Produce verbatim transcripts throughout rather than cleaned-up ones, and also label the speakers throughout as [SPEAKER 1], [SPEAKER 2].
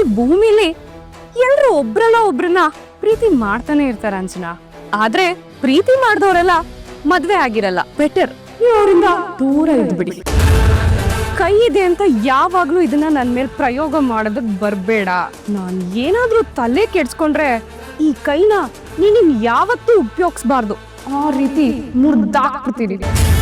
[SPEAKER 1] ಭೂಮಿಲಿ ಎಲ್ರು ಒಬ್ರಲ್ಲ ಒಬ್ರನ್ನ ಪ್ರೀತಿ ಮಾಡ್ತಾನೆ ಇರ್ತಾರ ಅಂಚನಾ. ಆದ್ರೆ ಪ್ರೀತಿ ಮಾಡ್ದವ್ರೆಲ್ಲ ಮದ್ವೆ ಆಗಿರಲ್ಲ. ಬೆಟರ್ ನೀವು ಅವರಿಂದ ದೂರ ಇದ್ಬಿಡಿ. ಕೈ ಇದೆ ಅಂತ ಯಾವಾಗ್ಲೂ ಇದನ್ನ ನನ್ ಮೇಲೆ ಪ್ರಯೋಗ ಮಾಡೋದಕ್ ಬರ್ಬೇಡ. ನಾನ್ ಏನಾದ್ರೂ ತಲೆ ಕೆಡ್ಸ್ಕೊಂಡ್ರೆ ಈ ಕೈನ ನೀನ್ ಯಾವತ್ತೂ ಉಪಯೋಗಿಸ್ಬಾರ್ದು. ಆ ರೀತಿ ಮುರ್ದಾಕ್ಬಿಡ್ತೀನಿ.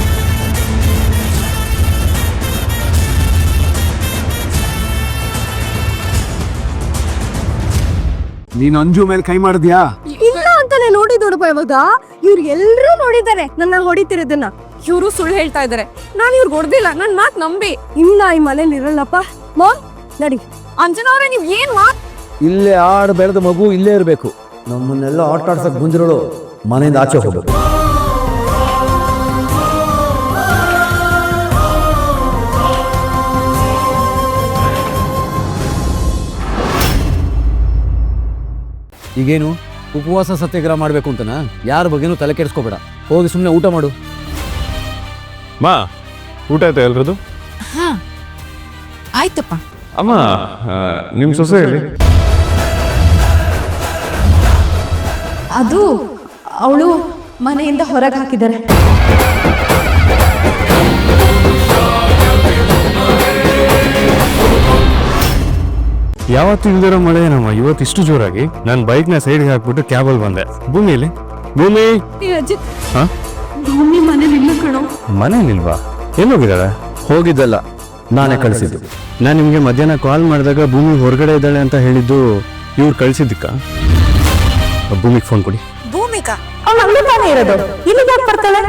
[SPEAKER 2] ನೀನ್ ಅಂಜು ಮೇಲೆ ಕೈ ಮಾಡಿದ್ಯಾ?
[SPEAKER 1] ಇಲ್ಲ ಅಂತಾನೆ ನೋಡಿದೋಡಪ್ಪ. ಇವಾಗ ಇವ್ರು ಎಲ್ರೂ ನೋಡಿದ್ದಾರೆ ನನ್ನ ಹೊಡಿತಿರೋದನ್ನ. ಇವರು ಸುಳ್ಳು ಹೇಳ್ತಾ ಇದಾರೆ. ನಾನು ಇವ್ರಿಗೆ ಹೊಡೆದಿಲ್ಲ. ನನ್ ಮಾತ್ ನಂಬಿ. ಇಲ್ಲ ಈ ಮನೇಲಿ ಇರಲ್ಲಪ್ಪ. ಮಾಮ್ ನಡಿ. ಅಂಜನಾ ಅವ್ರೆ ನೀವ್ ಏನ್ ಮಾತ್
[SPEAKER 3] ಇಲ್ಲೇ ಆಡ್ ಬೆಳೆದ ಮಗು ಇಲ್ಲೇ ಇರಬೇಕು. ನಮ್ಮನ್ನೆಲ್ಲ ಆಟ ಆಡ್ಸಕ್ ಬಂದಿರೋಳು ಮನೆಯಿಂದ ಆಚೆ ಹೋಗ್ಬೇಕು. ಈಗೇನು ಉಪವಾಸ ಸತ್ಯಾಗ್ರಹ ಮಾಡ್ಬೇಕು ಅಂತನಾ? ಯಾರ ಬಗ್ಗೆನೂ ತಲೆ ಕೆಡಿಸ್ಕೋಬೇಡ. ಹೋಗಿ ಸುಮ್ಮನೆ ಊಟ ಮಾಡು.
[SPEAKER 4] ಮಾ ಊಟ ಆಯ್ತಾ ಎಲ್ರದು?
[SPEAKER 5] ಹಾ ಆಯ್ತಪ್ಪ.
[SPEAKER 4] ಅಮ್ಮ ನಿಮ್ಮ ಸೊಸೆ ಹೇಳಿ.
[SPEAKER 5] ಅದು ಅವಳು ಮನೆಯಿಂದ ಹೊರಗೆ ಹಾಕಿದ್ದಾರೆ.
[SPEAKER 4] ಯಾವತ್ತು ಇಲ್ದಿರೋ ಮಳೆ ನಮ್ಮ ಇವತ್ತು ಇಷ್ಟು ಜೋರಾಗಿ ನಾನು ಬೈಕ್ನ ಸೈಡ್ಗೆ ಹಾಕ್ಬಿಟ್ಟು ಕ್ಯಾಬಲ್ ಬಂದೆ. ಭೂಮಿಯಲ್ಲಿ ಭೂಮಿ ಹಾ
[SPEAKER 1] ಭೂಮಿ ಮನೇಲಿ ಇಲ್ಲ ಕಣೋ.
[SPEAKER 4] ಮನೇಲಿಲ್ವಾ? ಎಲ್ಲೋಗಿದ್ದಾಳೆ?
[SPEAKER 3] ಹೋಗಿದ್ದಲ್ಲ, ನಾನೇ ಕಳಿಸಿದ್ದು.
[SPEAKER 4] ನಾನು ನಿಮಗೆ ಮಧ್ಯಾಹ್ನ ಕಾಲ್ ಮಾಡಿದಾಗ ಭೂಮಿ ಹೊರಗಡೆ ಇದ್ದಾಳೆ ಅಂತ ಹೇಳಿದ್ದು ಇವ್ರು ಕಳಿಸಿದ್ದಕ್ಕ? ಭೂಮಿಗೆ ಫೋನ್ ಕೊಡಿ.
[SPEAKER 5] ಭೂಮಿಕಾ
[SPEAKER 1] ಅವಳು ಅಲ್ಲೇ ತಾನೇ ಇರೋದು. ಇಲ್ಲಿ ಯಾಕೆ ಬರ್ತಾಳೆ?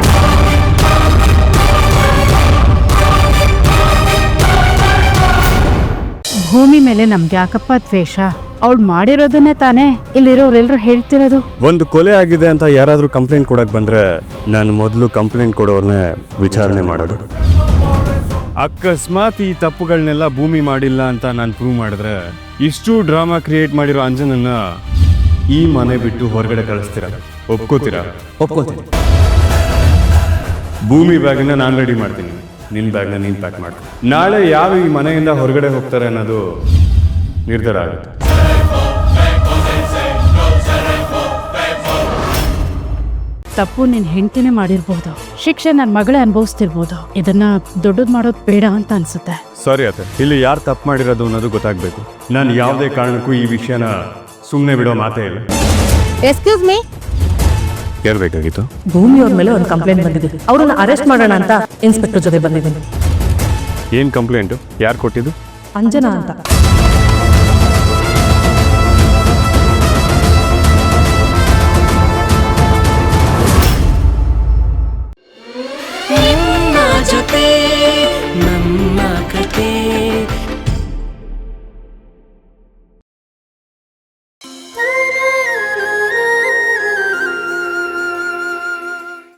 [SPEAKER 6] ಭೂಮಿ ಮೇಲೆ ನಮ್ಗೆ ಯಾಕಪ್ಪ ದ್ವೇಷ? ಅವಳು ಮಾಡಿರೋದನ್ನೇ ತಾನೇ ಇಲ್ಲಿರೋರೆಲ್ಲರೂ ಹೇಳ್ತಿರೋದು.
[SPEAKER 4] ಒಂದು ಕೊಲೆ ಆಗಿದೆ ಅಂತ ಯಾರಾದರೂ ಕಂಪ್ಲೇಂಟ್ ಕೊಡಕ್ ಬಂದ್ರೆ ನಾನು ಮೊದಲು ಕಂಪ್ಲೇಂಟ್ ಕೊಡೋರ್ನೇ ವಿಚಾರಣೆ ಮಾಡೋದು. ಅಕಸ್ಮಾತ್ ಈ ತಪ್ಪುಗಳನ್ನೆಲ್ಲ ಭೂಮಿ ಮಾಡಿಲ್ಲ ಅಂತ ನಾನು ಪ್ರೂವ್ ಮಾಡಿದ್ರೆ ಇಷ್ಟು ಡ್ರಾಮಾ ಕ್ರಿಯೇಟ್ ಮಾಡಿರೋ ಅಂಜನನ್ನ ಈ ಮನೆ ಬಿಟ್ಟು ಹೊರಗಡೆ ಕಳಿಸ್ತೀರ? ಒಪ್ಕೋತೀರಾ?
[SPEAKER 3] ಒಪ್ಕೋತೀನಿ.
[SPEAKER 4] ಭೂಮಿ ಬ್ಯಾಗ್ನ ನಾನು ರೆಡಿ ಮಾಡ್ತೀನಿ, ನಿನ್ನ ಬ್ಯಾಗ್ನ ನೀನು ಪ್ಯಾಕ್ ಮಾಡು. ನಾಳೆ ಯಾರು ಈ ಮನೆಯಿಂದ ಹೊರಗಡೆ ಹೋಗ್ತಾರೆ ಅನ್ನೋದು ನಿರ್ಧಾರ ಆಗುತ್ತೆ.
[SPEAKER 6] ತಪ್ಪು ನಿನ್ ಹೆಂಡತಿನೇ ಮಾಡಿರ್ಬೋದು, ಶಿಕ್ಷೆ ನನ್ನ ಮಗಳೇ ಅನುಭವಿಸ್ತಿರ್ಬೋದು. ಇದನ್ನ ದೊಡ್ಡದ್ ಮಾಡೋದು ಬೇಡ ಅಂತ ಅನ್ಸುತ್ತೆ.
[SPEAKER 4] ಸಾರಿ ಅತ್ತೆ, ಇಲ್ಲಿ ಯಾರು ತಪ್ಪು ಮಾಡಿರೋದು ಅನ್ನೋದು ಗೊತ್ತಾಗಬೇಕು. ನಾನು ಯಾವುದೇ ಕಾರಣಕ್ಕೂ ಈ ವಿಷಯನ ಸುಮ್ಮನೆ ಬಿಡೋ ಮಾತೇ ಇಲ್ಲ.
[SPEAKER 5] Excuse me.
[SPEAKER 4] ಯಾರು ಬೇಕಾಗಿತ್ತು?
[SPEAKER 7] ಭೂಮಿ ಅವ್ರ ಮೇಲೆ ಒಂದು ಕಂಪ್ಲೇಂಟ್ ಬಂದಿದೆ. ಅವ್ರನ್ನ ಅರೆಸ್ಟ್ ಮಾಡೋಣ ಅಂತ ಇನ್ಸ್ಪೆಕ್ಟರ್ ಜೊತೆ ಬಂದಿದ್ದೀನಿ.
[SPEAKER 4] ಏನು ಕಂಪ್ಲೇಂಟು? ಯಾರು ಕೊಟ್ಟಿದ್ದು?
[SPEAKER 7] ಅಂಜನಾ ಅಂತ.